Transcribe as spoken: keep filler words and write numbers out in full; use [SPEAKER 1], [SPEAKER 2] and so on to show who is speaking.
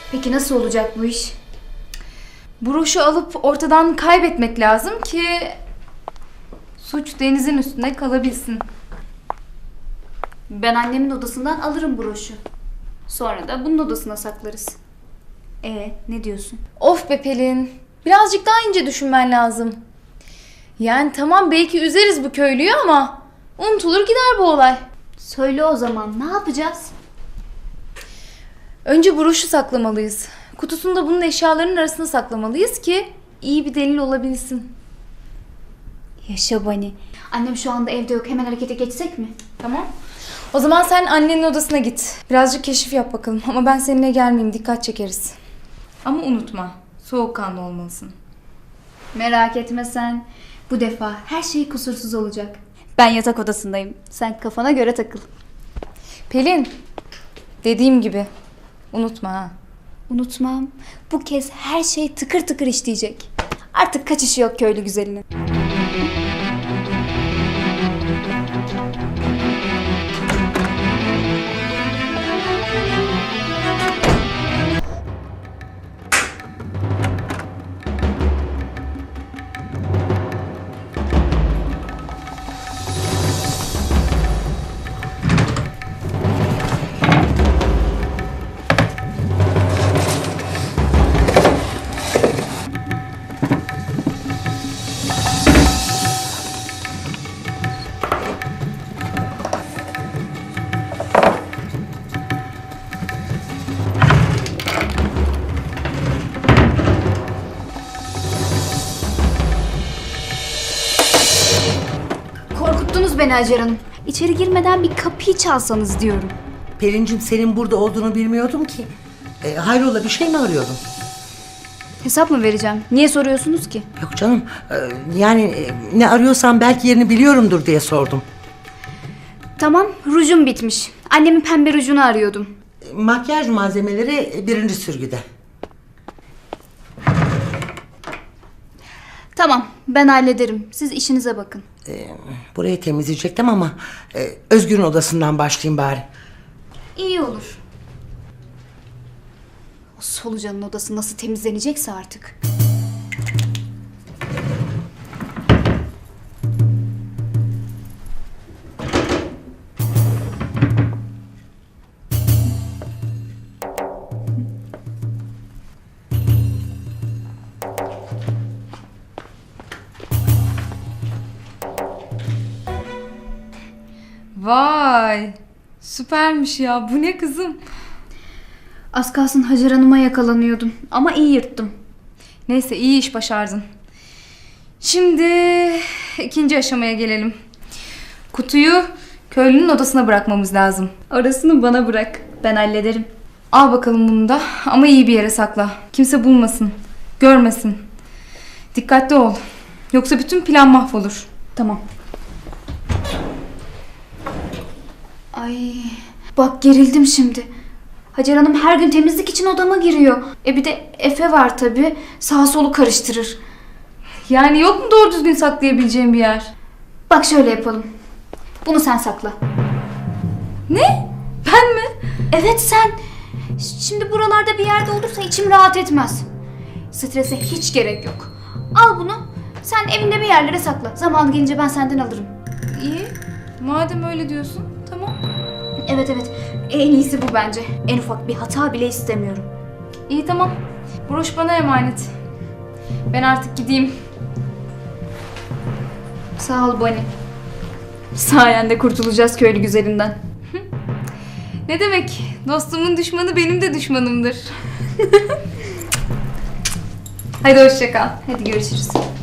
[SPEAKER 1] Peki nasıl olacak bu iş?
[SPEAKER 2] Broşu alıp ortadan kaybetmek lazım ki suç Deniz'in üstüne kalabilsin.
[SPEAKER 1] Ben annemin odasından alırım broşu. Sonra da bunun odasına saklarız. E ne diyorsun?
[SPEAKER 2] Of be Pelin. Birazcık daha ince düşünmen lazım. Yani tamam belki üzeriz bu köylüyü ama unutulur gider bu olay.
[SPEAKER 1] Söyle o zaman, ne yapacağız?
[SPEAKER 2] Önce broşu saklamalıyız. Kutusunu da bunun eşyalarının arasına saklamalıyız ki iyi bir delil olabilsin.
[SPEAKER 1] Yaşa Bani. Annem şu anda evde yok. Hemen harekete geçsek mi?
[SPEAKER 2] Tamam. O zaman sen annenin odasına git. Birazcık keşif yap bakalım. Ama ben seninle gelmeyeyim. Dikkat çekeriz. Ama unutma. Soğukkanlı olmalısın.
[SPEAKER 1] Merak etme sen. Bu defa her şey kusursuz olacak. Ben yatak odasındayım. Sen kafana göre takıl.
[SPEAKER 2] Pelin. Dediğim gibi. Unutma ha.
[SPEAKER 1] Unutmam. Bu kez her şey tıkır tıkır işleyecek. Artık kaçışı yok köylü güzelinin. Korkuttunuz beni Hacer Hanım. İçeri girmeden bir kapıyı çalsanız diyorum.
[SPEAKER 3] Pelincim, senin burada olduğunu bilmiyordum ki. E, hayrola, bir şey mi arıyordun?
[SPEAKER 1] Hesap mı vereceğim? Niye soruyorsunuz ki?
[SPEAKER 3] Yok canım, e, yani e, ne arıyorsam belki yerini biliyorumdur diye sordum.
[SPEAKER 1] Tamam, rujum bitmiş. Annemin pembe rujunu arıyordum.
[SPEAKER 3] E, makyaj malzemeleri birinci sürgüde.
[SPEAKER 1] Tamam, ben hallederim. Siz işinize bakın.
[SPEAKER 3] E, burayı temizleyecektim ama e, Özgür'ün odasından başlayayım bari.
[SPEAKER 1] İyi olur. O solucanın odası nasıl temizlenecekse artık.
[SPEAKER 2] Vay. Süpermiş ya. Bu ne kızım?
[SPEAKER 1] Az kalsın Hacer Hanım'a yakalanıyordum. Ama iyi yırttım.
[SPEAKER 2] Neyse iyi iş başardın. Şimdi ikinci aşamaya gelelim. Kutuyu köylünün odasına bırakmamız lazım.
[SPEAKER 1] Orasını bana bırak. Ben hallederim.
[SPEAKER 2] Al bakalım bunu da ama iyi bir yere sakla. Kimse bulmasın, görmesin. Dikkatli ol. Yoksa bütün plan mahvolur.
[SPEAKER 1] Tamam. Ay, bak gerildim şimdi. Hacer Hanım her gün temizlik için odama giriyor. E bir de Efe var tabii. Sağ solu karıştırır.
[SPEAKER 2] Yani yok mu doğru düzgün saklayabileceğim bir yer?
[SPEAKER 1] Bak şöyle yapalım. Bunu sen sakla.
[SPEAKER 2] Ne? Ben mi?
[SPEAKER 1] Evet sen. Şimdi buralarda bir yerde olursa içim rahat etmez. Strese hiç gerek yok. Al bunu. Sen evinde bir yerlere sakla. Zaman gelince ben senden alırım.
[SPEAKER 2] İyi. Madem öyle diyorsun, tamam.
[SPEAKER 1] Evet evet. En iyisi bu bence. En ufak bir hata bile istemiyorum.
[SPEAKER 2] İyi tamam. Broş bana emanet. Ben artık gideyim.
[SPEAKER 1] Sağ ol Bonnie. Sayende kurtulacağız köylü güzelinden.
[SPEAKER 2] Ne demek? Dostumun düşmanı benim de düşmanımdır. Hadi hoşça kal.
[SPEAKER 1] Hadi görüşürüz.